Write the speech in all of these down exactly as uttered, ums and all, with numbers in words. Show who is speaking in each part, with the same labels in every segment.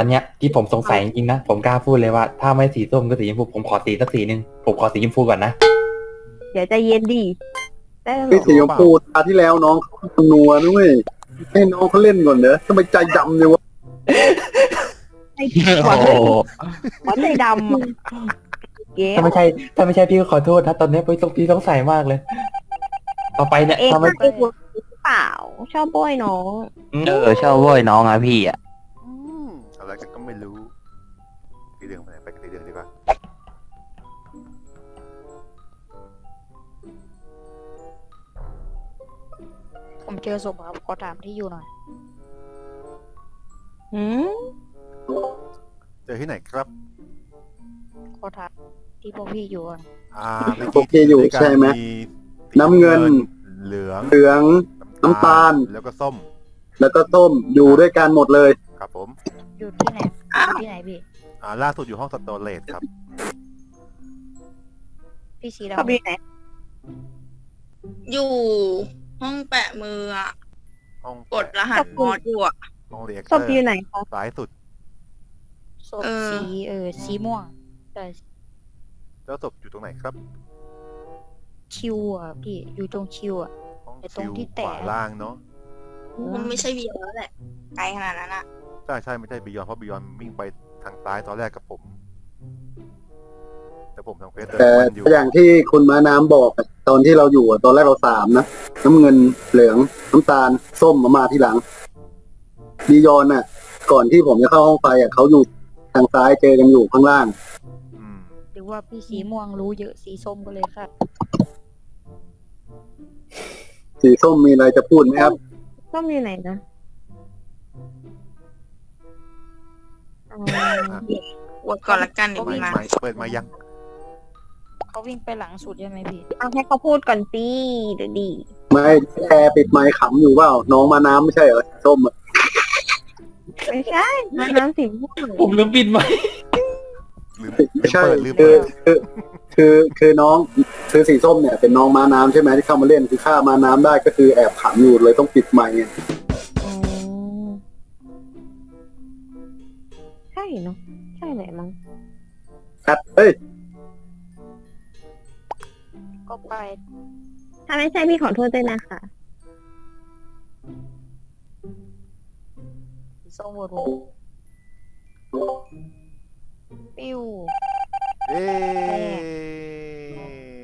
Speaker 1: อนเนี้ยที่ผมสงสัยจริงๆนะผมกล้าพูดเลยว่าถ้าไม่สีส้มก็สีชมพูผมขอสีสักสีหนึ่งผมขอสีชมพูก่อนนะ
Speaker 2: เดี๋ยวใจเย็นดีได้หร
Speaker 3: ไอ้
Speaker 2: อ
Speaker 3: สีชมพูตาที่แล้วน้องเขานัวด้วยให้น้องเขาเล่นก่อนเนอะทำไมใจดำเลยวะ
Speaker 2: ไอ้หัว
Speaker 1: โอ้โห
Speaker 2: หัวใจดำอะเก๋
Speaker 1: ถ้าไม่ใช่ถ้าไม่ใช่พี่ก็ขอโทษนะตอนนี้พี่ต้องพี่ต้องใส่มากเลย ต่อไปเนี่ย
Speaker 2: เอง
Speaker 1: ถ้าไม่
Speaker 2: ก็ไอ้หัวหรือเปล่า ชอบโบยน้อง
Speaker 4: เออชอบโว้ยน้องอ่ะพี่อ่ะ
Speaker 5: อืมอะไรกันก็ไม่รู้สีเหลืองไปไหนไปสีเหลืองดีกว่า
Speaker 6: ผมเจอศพครับขอถามที่อยู่หน่อย
Speaker 2: หืม
Speaker 5: เจอที่ไหนครับ
Speaker 6: ขอถามที่พวกพี่อยู่ก่อน
Speaker 5: อ่า
Speaker 3: โอเคอยู่ใช่ไหม น้ำเงิน
Speaker 5: เหลือง
Speaker 3: เหลืองน้ำตาล
Speaker 5: แล้วก็ส้ม
Speaker 3: แล้วก็ส้มอยู่ด้วยกันหมดเลย
Speaker 5: ครับผม
Speaker 6: อยู่ที่ไหนอยู่ที่ไหนพี่
Speaker 5: อ่าล่าสุดอยู่ห้องสโตรเลตครับ
Speaker 6: พี่สี
Speaker 2: ชอบ
Speaker 6: ดำ
Speaker 2: อยู่ไหน
Speaker 7: อยู่ห้องแปะมืออะ
Speaker 5: ห้อง
Speaker 7: กดรหัสมอสอยู่อะ
Speaker 5: ห้องเรียก
Speaker 2: ชอบอยู่ไหนคะ
Speaker 5: ซ้ายสุด
Speaker 6: ศพ
Speaker 7: เออ
Speaker 6: สีเออสีม่วงแต่
Speaker 5: เจ้าศพอยู่ตรงไหนครับ
Speaker 6: คิวอ่ะพี่อยู่ตรงคิวอ่ะ
Speaker 5: ห้อง
Speaker 6: ไอ้ตรง
Speaker 5: คิว
Speaker 6: ที่
Speaker 5: ข
Speaker 6: แตะ
Speaker 5: วาล่างเนาะ
Speaker 7: มันไม่ใช่วีแล้วแหละ ไกลขนาดนั้นอะ
Speaker 5: ใช่ใช่ไม่ใช่บิยอนเพราะบิยอนวิ่งไปทางซ้ายตอนแรกกับผม แต่ผมทางเฟสเดิน
Speaker 3: แต่
Speaker 5: มันอยู่
Speaker 3: อย่างที่คุณม้าน้ำบอกอะตอนที่เราอยู่อะตอนแรกเราสามนะน้ำเงินเหลืองน้ำตาลส้มมามาที่หลังดียอนน่ะ ก่อนที่ผมจะเข้าห้องไฟอ่ะเขาอยู่ทางซ้ายเจอกันอยู่ข้างล่าง
Speaker 5: อืม
Speaker 6: หรือว่าพี่สีม่วงรู้เยอะสีส้มก็เลยค่ะ
Speaker 3: สีส้มมีอะไรจะพูดไหมครับ
Speaker 2: ชอบอยู่ไหนนะอ๋อ
Speaker 7: อวดก่อนละกันเดี๋ยว
Speaker 5: เปิ
Speaker 7: มึ
Speaker 5: ด
Speaker 7: งมา
Speaker 5: ไม้เปิดไม้ยัง
Speaker 6: เขาวิ่งไปหลังสุดใช่ไหมพี่
Speaker 2: เอาให้เขาพูดก่อนสิเดี๋ยวดี
Speaker 3: ไม่แอร์ปิดไมค์ขำอยู่เปล่าน้องมาน้ำไม่ใช่เหรอส้มอะ
Speaker 2: ไม่ใช่มาน้ำสีม่วง
Speaker 1: ผมลืมปิดไหมค์
Speaker 5: ลืม
Speaker 3: ไม่ใช่
Speaker 5: เปิดลืม
Speaker 3: คื
Speaker 5: เปิ
Speaker 3: อ
Speaker 5: ด
Speaker 3: คือคือคือน้องคือสีส้มเนี่ยเป็นน้องม้าน้ำใช่ไหมที่เข้ามาเล่นคือฆ่าม้าน้ำได้ก็คือแอบขำอยู่เลยต้องปิดไมค์ไง
Speaker 2: อ๋อใช่เนาะใช่แหละมั้ง
Speaker 3: แอดเอ้ย
Speaker 6: ก็ไป
Speaker 2: ถ้าไม่ใช่พี่ขอโทษด้วยนะคะ
Speaker 6: สีส้มโหวตผมปิ้ว
Speaker 5: เอ๊ะ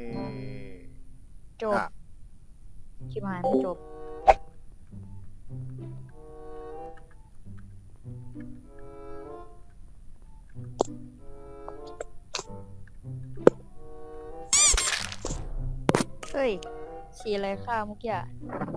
Speaker 6: จบ
Speaker 5: อ่ะ
Speaker 6: ชิบหายไม่จบเฮ้ยสีอะไรข้าวเมื่อกี้อะ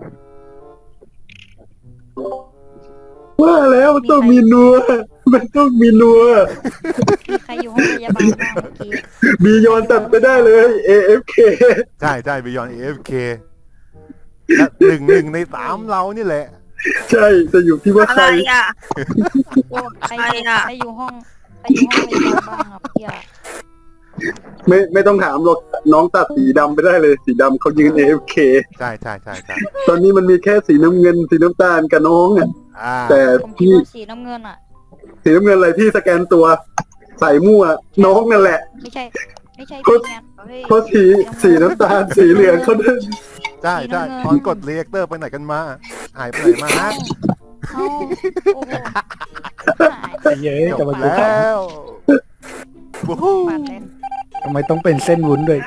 Speaker 3: ว่าแล้วมันต้องมีนัวมันต้องมีนัว
Speaker 6: มีใครอยู่ห้องพยาบาลบ้างเมื่อกี้
Speaker 3: บียอนตัดไปได้เลย เอ เอฟ เค
Speaker 5: ใช่ใช่บิยอนเอฟเคหนึ่งหนึ่งในสามเรานี่แหละ
Speaker 3: ใช่จะอยู่ที่ว่า
Speaker 7: อะ
Speaker 3: ใค
Speaker 7: ไร
Speaker 3: ร
Speaker 7: อะ
Speaker 6: ใคร
Speaker 7: ใคร
Speaker 6: อยู่
Speaker 7: อะ
Speaker 6: ใครอยู่ห้องใครอยู่ห้องพยาบาลบ้างอ่ะเมื่อกี้อะ
Speaker 3: ไม่ไม่ต้องถามหรอกน้องตัดสีดำไปได้เลย สีดำเขายืน เอ เอฟ เค
Speaker 5: ใช่ใช่ใช่ใช่
Speaker 3: ตอนนี้มันมีแค่สีน้ำเงินสีน้ำตาลกับน้องอ่ะ
Speaker 5: อ่า
Speaker 3: แต่
Speaker 6: ผมคิด
Speaker 3: พี่
Speaker 6: ว่าสีน้ำเงินอ่ะ
Speaker 3: สีน้ำเงินอะไรที่สแกนตัวใส่มั่วน้องนั่นแหละ
Speaker 6: ไม่ใช่ ไม่ใช่
Speaker 3: ก็
Speaker 6: พี่งานเฮ้ย
Speaker 3: เพราะสีสีน้ำตาลสีเหลืองเขาเดิน
Speaker 5: ใช่ใช่ตอนกดเรียกเตอร์ไปไหนกันมา หายไปไหนมาฮะ
Speaker 6: เอ้าโอ้โหหาย
Speaker 1: เย้ย
Speaker 5: จ
Speaker 1: จะ
Speaker 5: บ
Speaker 1: มาดู
Speaker 5: แล้ววู้ฮู้
Speaker 6: ปาดเล่น
Speaker 1: ทำไมต้องเป็นเส้นวุ้นด้วย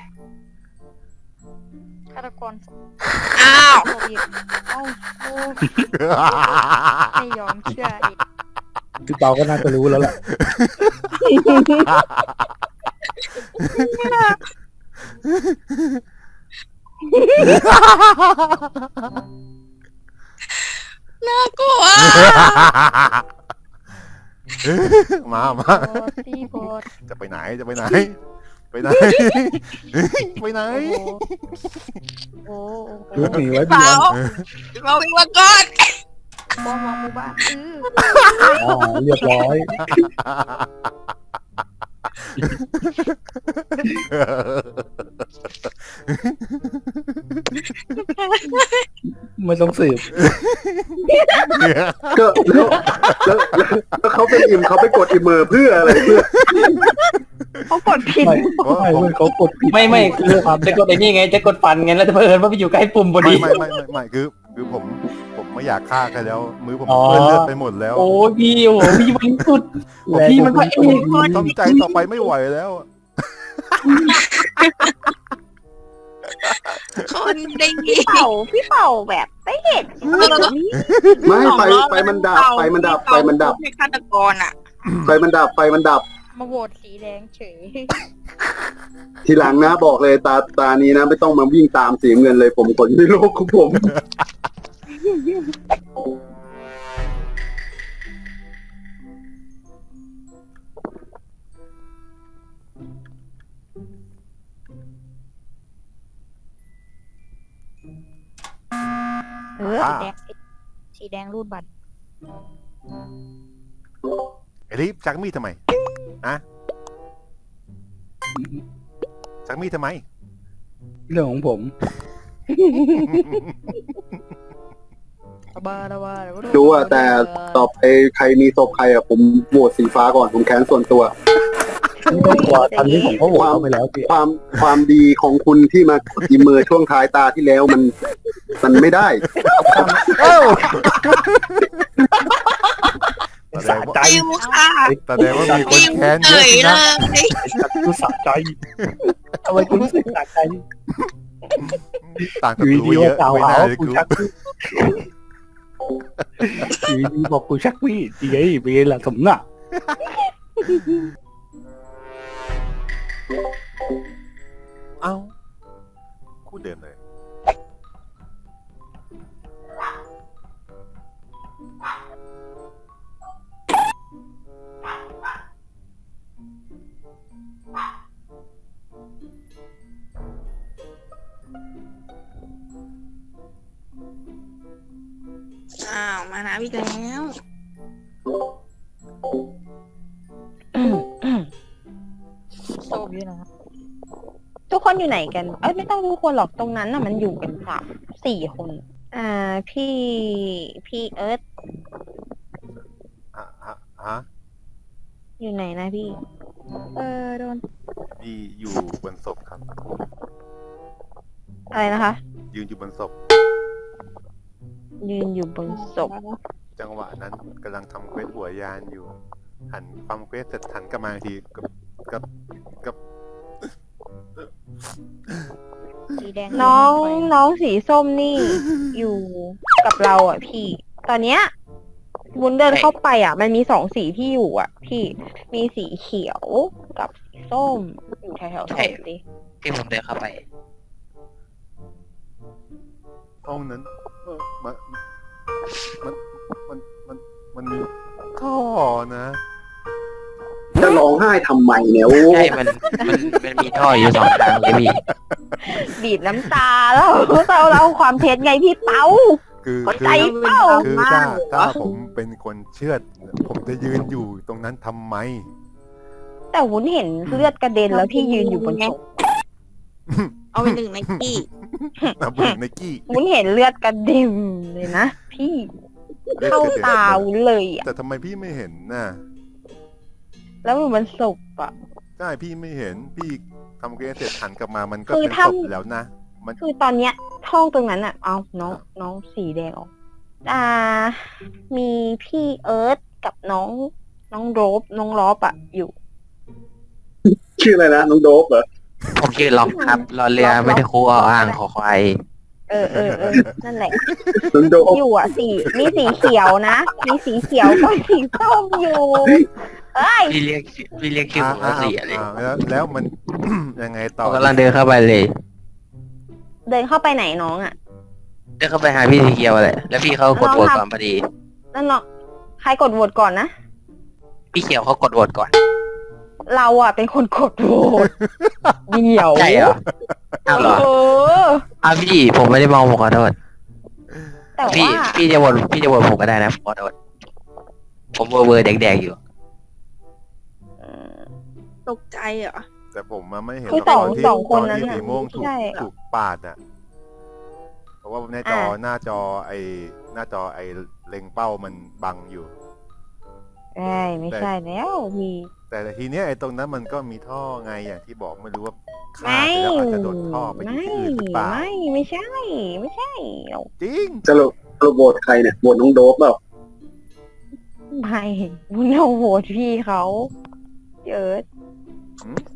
Speaker 6: ฆาตกร
Speaker 7: อ้าว
Speaker 6: โควิดเอ้าโอ้ไม่ยอมเชื่ออีก
Speaker 1: พี่เปาก็น่าจะรู้แล้วแหละ
Speaker 7: น่ากลัว
Speaker 5: มามา
Speaker 6: โอ้พี่โบด
Speaker 5: จะไปไหนจะไปไหน ไปไหน ไปไหน
Speaker 6: โอ้โหโอ้โห
Speaker 1: รู้หนีไว้
Speaker 7: เป
Speaker 1: พี่
Speaker 7: ล่า
Speaker 1: บอล
Speaker 7: เราวิ่งมาก่อน
Speaker 6: บอมวางหมู่บ้านอื้อ
Speaker 1: อ๋อเรียบร้อย
Speaker 5: เ
Speaker 8: ไม่ต้องสืบ
Speaker 3: ก็แล้วแล้วแล้วแล้วเขาเป็นอิมเขาไปกดอิมเมอร์เพื่ออะไรเพื่อ
Speaker 2: เขากดผิด
Speaker 8: ไม่ไม่ไม่เขากดผิด
Speaker 1: ไม่ไม่คือจะกดไอ้นี่ไงจะกดฟันไงแล้วจะเผอิญว่าไปอยู่ใกล้ปุ่มพอ
Speaker 5: ไม่
Speaker 1: ดี
Speaker 5: ไม่ไม่ไม่ไม่คือคือผมผมไม่อยากฆ่าใครแล้ว มือผม
Speaker 1: อ๋อ
Speaker 5: เปื้อนเลือดไปหมดแล้ว
Speaker 1: โอ้พี่โอ้พี่มันสุดพี่มันพระเอก
Speaker 5: ต้องใจต่อไปไม่ไหวแล้ว
Speaker 7: คนดี
Speaker 2: พี่เป่าพี่เป่าแบบไม่เห็น
Speaker 3: ไม่ไฟไฟมันดับไฟมันดับไฟมันดับ
Speaker 7: ให้ฆาตกรอ่ะ
Speaker 3: ไฟมันดับไฟมันดับ
Speaker 6: มาโหวตสีแดงเฉย
Speaker 3: ทีหลังนะบอกเลยตาตานี้นะไม่ต้องมาวิ่งตามสีเงินเลยผมกดในโลกของผม
Speaker 2: เออ
Speaker 5: อ่า
Speaker 6: สีแดงสีแดงรูดบัตร
Speaker 5: ไอ้ลิฟชักมีดทำไมอะชักมีดทำไม
Speaker 8: เรื่องของผม
Speaker 6: ระบาระบาระบา
Speaker 3: ดูอะแต่ต่อไปใครมีศพใครอะผมโหวตสีฟ้าก่อนผมแค้นส่วนตัว
Speaker 8: ไม่ต้องกลัวตอนนี้ผมก็โหวตเขาไปแล้วพี่
Speaker 3: ความความดีของคุณที่มากดอิมเมอร์ช่วงท้ายตาที่แล้วมันมันไม่ได้
Speaker 5: แสดงว่า
Speaker 7: ฟิวค่ะ
Speaker 5: แสดงว่ามีคนแค้นเย
Speaker 7: เฉ
Speaker 5: อะ
Speaker 7: ย
Speaker 5: สิ
Speaker 7: เล
Speaker 5: นะ
Speaker 7: ย
Speaker 8: สัตว์รู้สะใจทำไมคุณรู้สึกสะใจ
Speaker 5: ต่าง
Speaker 8: อ
Speaker 5: กับ
Speaker 8: ยู่
Speaker 5: กู
Speaker 8: ดี
Speaker 5: เย
Speaker 8: ๆ
Speaker 5: อะ
Speaker 8: กล่าว
Speaker 5: ไม่
Speaker 8: หา
Speaker 5: น่า
Speaker 8: ว่า
Speaker 5: เลย
Speaker 8: กู
Speaker 5: กู
Speaker 8: ชักมีดอยู่ดีๆบอกกูชักมีดดีไงเป็นไงล่ะสมน่ะ
Speaker 5: เอ้าคู่เดิมเลย
Speaker 7: อ้าวมานะพี่แล้ว
Speaker 6: ส้มอยู่นะ
Speaker 2: ทุกคนอยู่ไหนกัน เอ้ยไม่ต้องทุกคนหรอกตรงนั้นน่ะมันอยู่กันสามสี่คน อ่าพี่พี่เอิร์ธ
Speaker 5: ฮะฮะฮะ
Speaker 2: อยู่ไหนนะพี่
Speaker 6: เออโดน
Speaker 5: พี่อยู่บนศพครับ
Speaker 2: อะไรนะคะ
Speaker 5: ยืนอยู่บนศพ
Speaker 2: ยืนอยู่บนศพ
Speaker 5: จังหวะนั้นกำลังทำเควสหัวยานอยู่ หันทำเควสเสร็จหันกลับมาอีกทีกับกับกับ
Speaker 6: สีแดง
Speaker 2: น้อง
Speaker 6: ไป
Speaker 2: น้องสีส้มนี่ อยู่กับเราอ่ะพี่ ตอนเนี้ยวุ้นเดินเข้าไปอ่ะ มันมีสองสีที่อยู่อ่ะ พี่มีสีเขียวกับสีส้ม อยู่แถวๆศพดิ
Speaker 4: ที่ผมเดินเข้าไป
Speaker 5: ห้องนั้นเออมันมันมันมันมันมีท่อนะ
Speaker 3: จะร้องไห้ทำไมเนี่ยโอ้
Speaker 4: ใช่ มัน มัน มันมีท่ออยู่สองทางเลยพี่
Speaker 2: บีบน้ำตาแล้วเราเราความเท็จไงพี่เต้า
Speaker 5: คือ
Speaker 2: เข้า
Speaker 5: คื
Speaker 2: ใจ
Speaker 5: อ
Speaker 2: เปล่า
Speaker 5: คือถ้าถ้าผมเป็นคนเชื่อดผมจะยืนอยู่ตรงนั้นทำไม
Speaker 2: แต่วุ้นเห็นเลือดกระเด็นแล้วพี่ยืนอยู่บนศพ
Speaker 7: เอาไปหนึ่งในกี้
Speaker 5: นะบุญในกี้
Speaker 2: วุ้นเห็นเลือดกระเด็นเลยนะพี่ เข้าตาวุ้นเลยอ่ะ
Speaker 5: แต่ทำไมพี่ไม่เห็นน่ะ
Speaker 2: แล้วมันบนศพอ่ะ
Speaker 5: ใช่พี่ไม่เห็นพี่ทำเควสเสร็จหันกลับมามันก็
Speaker 2: คือ
Speaker 5: เป็น
Speaker 2: ถ้า
Speaker 5: ศพแล้วนะ มัน
Speaker 2: คือตอนเนี้ยห้องตรงนั้นอ่ะ เอาน้องน้องสีแดงออก อ่า มีพี่เอิร์ธกับน้องน้องโรบน้องลอบอ่ะ อยู่
Speaker 3: ชื่ออะไรนะน้องโดบเหรอ
Speaker 4: ผมชื่อล็อกครับ รอเรือไม่ได้คูอ่ออ่างขอควาย
Speaker 2: เออเออเออนั่นแหละ
Speaker 3: น้องโดบ
Speaker 2: อยู่อ่ะสีมีสีเขียวนะ มีสีเขียวกับสีส้มอยู่เอ้ย
Speaker 4: พี่เรียกชื่อพี่เรียกชื่อผมว่าเสียเลย
Speaker 5: อ่าแล้วแล้วมัน ยังไง
Speaker 4: ผ
Speaker 5: ต่อ
Speaker 4: มกำลังเดินเข้าไปเลย
Speaker 2: เดินเข้าไปไหนน้องอ่ะ
Speaker 4: เดินเข้าไปหาพี่สีเกียวเลยแล้วพี่เขากดโหวตก่อนพอดี
Speaker 2: นั่นเนาะใครกดโหวตก่อนนะ
Speaker 4: พี่เขียวเขากดโหวตก่อน
Speaker 2: เราอ่ะเป็นคนกดโหวตเดี่ยว
Speaker 4: ใช่เหรออ้าวเหรอ
Speaker 2: เออ
Speaker 4: อ้าวพี่ผมไม่ได้มองผมขอโทษ
Speaker 2: แต่
Speaker 4: พี่
Speaker 2: ว่า
Speaker 4: พี่จะโหวตพี่จะโหวตผมก็ได้นะผมขอโทษผมเบอร์เบอร์แดงๆอยู่
Speaker 7: ตกใจเหรอ
Speaker 5: แต่ผมมาไม่เห็น
Speaker 2: คือ
Speaker 5: ต
Speaker 2: สอง
Speaker 5: อนที่
Speaker 2: สองคน
Speaker 5: ตอน
Speaker 2: นั้น
Speaker 5: ที่
Speaker 2: น่ะ
Speaker 5: สีม่วงถูก
Speaker 2: ใช่
Speaker 5: ถูกปาดอ่ะราะว่าหน้าจอหน้าจอไอหน้าจอไอเล็งเป้ามันบังอยู่
Speaker 2: เอ้ยไม่ใช่แล้วพี่
Speaker 5: แต่ทีเนี้ยไอตรงนั้นมันก็มีท่อไงอย่างที่บอกไม่รู้ว่าฆ่า
Speaker 2: ไม่
Speaker 5: ไปแล้วอาจจะโดนท่อไปอยู่
Speaker 2: ไม่
Speaker 5: ที่อื่นหรือเปล่า
Speaker 2: ไม่ไม่ใช่ ไม่ใช่
Speaker 5: จริง
Speaker 3: สรุปสรุปโหวตใครเนี่ยโหวตน้องโดบเปล่า
Speaker 2: ไม่วุ้นเอาโหวตพี่เขาเจิด
Speaker 5: หืม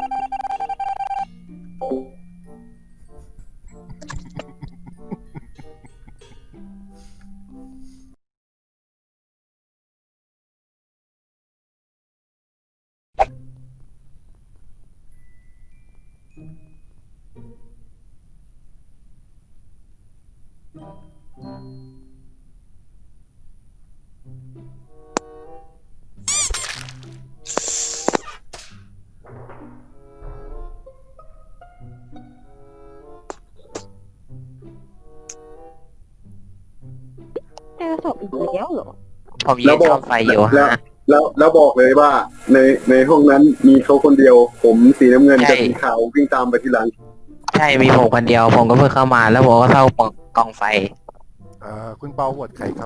Speaker 2: เจอศพอีกแล้วเหรอ
Speaker 4: ผมยืนซ่อมไฟอยู่
Speaker 3: แล้ว
Speaker 4: ฮะ
Speaker 3: แล้วแล้วบอกเลยว่า ในในห้องนั้นมีเขาคนเดียว ผมสีน้ำเงิน
Speaker 4: ใช่
Speaker 3: กับสีขาววิ่งตามไปทีหลัง
Speaker 4: ใช่มีผมคนเดียวผมก็เพิ่งเข้ามาแล้วผมก็เข้ากองไฟ
Speaker 5: อ่าคุณเปาโหวตใครครับ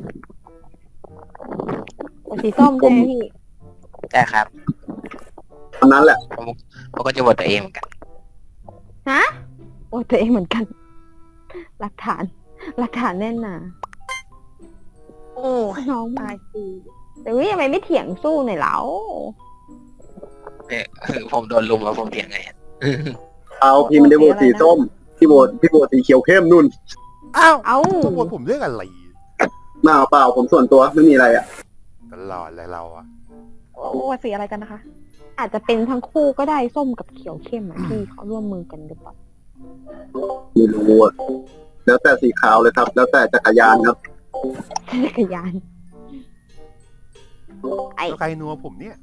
Speaker 2: สีส้มใช่ไหมพี่
Speaker 4: ใช่ครับ
Speaker 3: ตอนนั้นแหละ
Speaker 4: ผมผมก็จะบทตัวเองเหมือนกัน
Speaker 2: ฮะ โอ้ตัวเองเหมือนกัน หลักฐาน หลักฐานแน่นหนา
Speaker 7: โอ้ย
Speaker 2: น้องมาจีแต่วิทำไมไม่เถียงสู้หน่อยเล่า
Speaker 4: เออคือผมโดนลุมแล้วผมเถียงไง
Speaker 3: เอาพี่มันได้โหวตสีส้มพี่โหวตพี่โหวตสีเขียวเข้มนุ่น
Speaker 5: อ้าว
Speaker 2: เอ้า
Speaker 5: ต้องโหวตผมเรื่องอะไร
Speaker 3: หน้าเปล่าผมส่วนตัวไม่มีอะไรอ่ะ
Speaker 5: ตลอดเลยเราอะ
Speaker 6: โอ้สีอะไรกันนะคะ
Speaker 2: อาจจะเป็นทั้งคู่ก็ได้ส้มกับเขียวเข้มอ่ะพี่เขาร่วมมือกันหรือเปล่า
Speaker 3: ไม่รู้อ่ะแล้วแต่สีขาวเลยครับ แล้วแต่จักรยานครับ
Speaker 2: จักรยาน ไอ
Speaker 5: แล้วใครนัวผมเนี่ย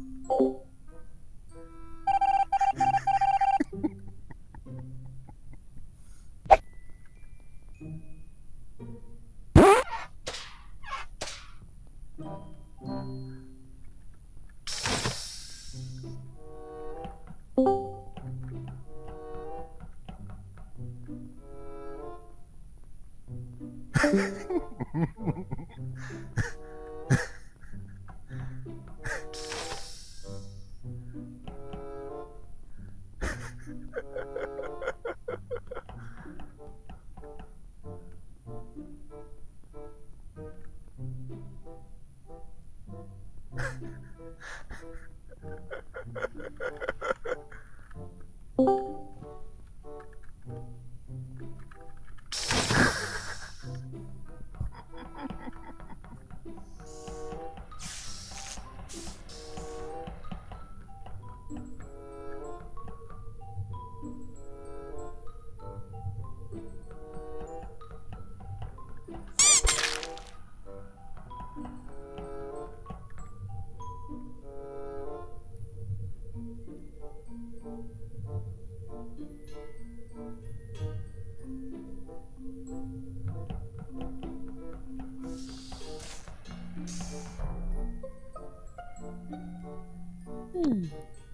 Speaker 2: อืม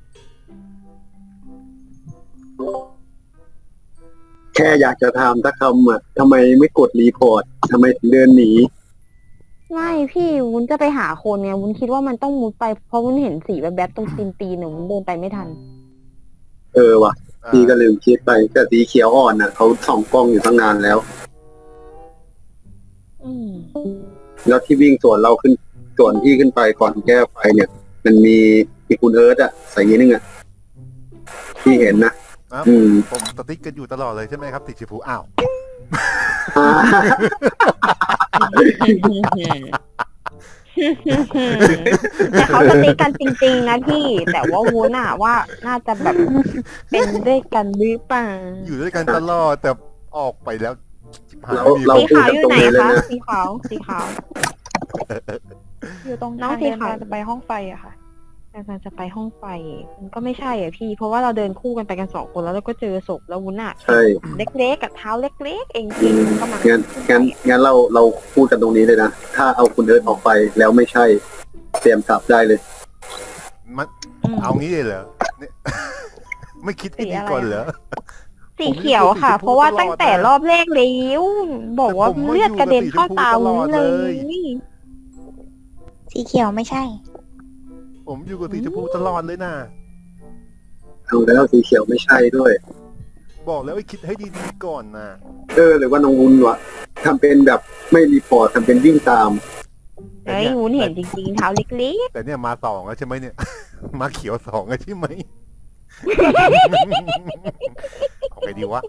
Speaker 3: แค่อยากจะถามสักคำอ่ะทำไมไม่กดรีพอร์ตทำไมถึงเดินหนี
Speaker 2: ไม่พี่วุ้นจะไปหาคนไงวุ้นคิดว่ามันต้องมุดไปเพราะวุ้นเห็นสีแบบแบบๆตรงตีนตีนเนี่ยวุ้นเดินไปไม่ทัน
Speaker 3: เออว่ะ
Speaker 5: อ่า
Speaker 3: พี่ก็ลืมคิดไปแต่สีเขียวอ่อนน่ะเขาส่องกล้องอยู่ตั้งนานแล้ว
Speaker 2: อืม
Speaker 3: แล้วที่วิ่งสวนเราขึ้นสวนพี่ขึ้นไปก่อนแก้ไฟเนี่ย มันมีมีคุณเอิร์ธอ่ะใส่ยีนึงอ่ะพี่เห็นนะ
Speaker 5: ครับ
Speaker 3: อืม
Speaker 5: ผมสติ๊กกันอยู่ตลอดเลยใช่ไหมครับ ติดชิฟูอ้าว
Speaker 3: อ่า
Speaker 2: แต่เขาสติกกันจริงๆนะพี่ แต่ว่าวุ้นอะว่าน่าจะแบบเป็นด้วยกันหรือเปล่า
Speaker 5: อยู่ด้วยกันตลอดแต่ออกไปแล้วชิบหาย
Speaker 3: เรา
Speaker 5: มี
Speaker 3: เรา
Speaker 2: สี
Speaker 3: พูด
Speaker 2: ขาว
Speaker 3: กัน
Speaker 2: อยู่
Speaker 3: ตรง
Speaker 2: ไหน
Speaker 3: นี้เลย
Speaker 2: คะ
Speaker 3: นะ
Speaker 2: สีขาวสีขาว
Speaker 6: อยู่ตรง
Speaker 2: น้อง
Speaker 6: ทาง
Speaker 2: สี
Speaker 6: เดิน
Speaker 2: ขาว
Speaker 6: จะไปห้องไฟอะค่ะ
Speaker 2: กำลังจะไปห้องไฟ มันก็ไม่ใช่อ่ะพี่ เพราะว่าเราเดินคู่กันไปกันสองคนแล้วเราก็เจอศพแล้ววุ้นอะ
Speaker 3: ใช่
Speaker 2: เล็กๆกับเท้าเล็กๆเอง
Speaker 3: อื
Speaker 2: พี่
Speaker 3: ม
Speaker 2: มันก็มา
Speaker 3: งั้นงั้นงั้นเราเราพูดกันตรงนี้เลยนะถ้าเอาคุณเอิร์ธออกไปแล้วไม่ใช่เตรียมสับได้เลย
Speaker 5: มัน
Speaker 2: อืม
Speaker 5: เอางี้เลยเหรอเนี่ย ไม่คิดให้ดีก่อนเหรอ
Speaker 2: สีเขียวค่ะ เพราะว่าตั้งแต่รอบแรกแล้วบอกว่าเลือดกระเด็นเข้าตาวุ้นเลย
Speaker 6: สีเขียวไม่ใช่
Speaker 5: ผมอยู่กับสีชมพูตลอดเลยนะ
Speaker 3: ดูแล้วสีเขียวไม่ใช่ด้วย
Speaker 5: บอกแล้วให้คิดให้ดีๆก่อนนะ
Speaker 3: เออหรือว่าน้องวุ้นวะทำเป็นแบบไม่รีพอร์ตทำเป็นวิ่งตาม
Speaker 5: แต่
Speaker 2: เฮ้ย
Speaker 5: เนี่ย
Speaker 2: วุ้นเห็นจริงๆเท้าเล็ก
Speaker 5: แต่เนี่ยมาสองแล้วใช่ไหมเนี่ย มาเขียวสองแล้วใช่ไหม เอาไงดีวะ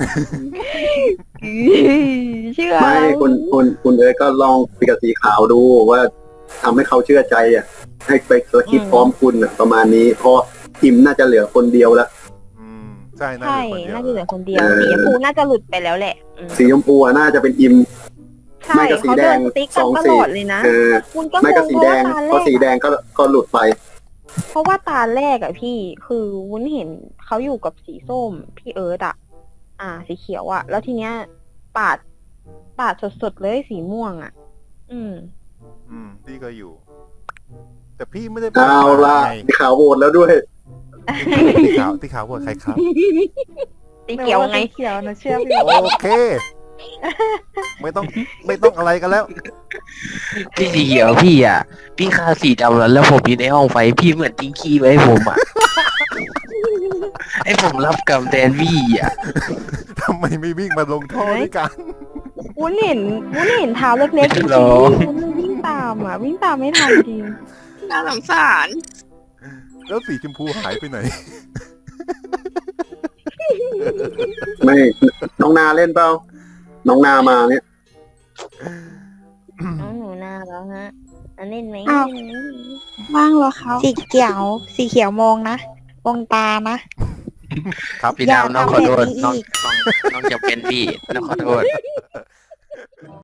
Speaker 2: ๆเชื่อ
Speaker 3: ไม่คุณคุณคุณเอ๋ยก็ลองคุยกับสีขาวดูว่าทำให้เขาเชื่อใจอ่ะ ให้ไปสคริปต์พร้อมคุณอ่ะประมาณนี้เพราะอิมน่าจะเหลือคนเดียวละ
Speaker 5: อืมใช่น่า
Speaker 2: ใช่
Speaker 5: จะคนเดียว
Speaker 2: น่าจะเหลือคนเดียวสีชมพูน่าจะหลุดไปแล้วแหละอืม
Speaker 3: สีชมพูอะน่าจะเป็นอิม
Speaker 2: ใช่
Speaker 3: ไม่ก็สี
Speaker 2: เขา
Speaker 3: แด
Speaker 2: เดิ
Speaker 3: ง
Speaker 2: นสติ๊ก
Speaker 3: ส
Speaker 2: กั
Speaker 3: อน ง
Speaker 2: ต
Speaker 3: สี
Speaker 2: ลอดเลยนะ
Speaker 3: เออ
Speaker 2: คุณก็ง
Speaker 3: ไม่ก็
Speaker 2: ง
Speaker 3: สี
Speaker 2: เพ
Speaker 3: แด
Speaker 2: ราะ
Speaker 3: ง
Speaker 2: ว่าตา
Speaker 3: เพราะสี
Speaker 2: แร
Speaker 3: แด
Speaker 2: ก
Speaker 3: งก็ก็หลุดไป
Speaker 2: เพราะว่าตาแรกอะพี่คือวุ้นเห็นเขาอยู่กับสีส้มพี่เอิร์ดอะอ่า สีเขียวอะแล้วทีเนี้ยปาดปาดสดๆเลยสีม่วงอะอืม
Speaker 5: อืมพี่ก็อยู่ แต่พี่ไม่ได้
Speaker 3: เอาละ
Speaker 5: ไง
Speaker 3: สีขาวโหวตแล้วด้วย
Speaker 5: ที่ขาวที่ขาวว่าใครครับ
Speaker 2: สีเขียวไง
Speaker 6: สีเขียวนะเชื่อพี่
Speaker 5: โอเค ไม่ต้องไม่ต้องอะไรกันแล้ว
Speaker 4: พี่สีเขียวพี่อ่ะ พี่ฆ่าสีดำแล้วแล้วผมอยู่ในห้องไฟพี่เหมือนทิ้งขี้ไว้ให้ผมอ่ะ ให้ผมรับกรรมแทนพี่อ่ะ
Speaker 5: ทำไมไม่วิ่งมาลงโทษด้วยกัน
Speaker 2: วุ้นเห็นวุ้นเห็นเท้าเล็กๆจริง
Speaker 4: หรอ
Speaker 2: ๆวุ้นเลยวิ่งตามอ่ะ วิ่งตามไม่ทันจริง
Speaker 7: น่าสงสาร
Speaker 5: แล้วสีชมพูหายไปไหน
Speaker 3: ไม่น้องนาเล่นเปล่าน้องนามาเนี่ย
Speaker 2: น้องหนูนาแล้วฮะอันเล่นไหม
Speaker 6: อ้าว
Speaker 2: เล่นไหม
Speaker 6: ว่างเหรอเขาสีเขียว สีเขียวมองนะมองตานะ
Speaker 5: ครับ
Speaker 4: พี่
Speaker 6: อย่า
Speaker 4: ดำน้อง
Speaker 6: ทำ
Speaker 4: ขอโทษ
Speaker 6: แบบนี้
Speaker 4: น้อง
Speaker 6: อีก
Speaker 4: น้องน้องจะเป็นพี่น้องขอโทษ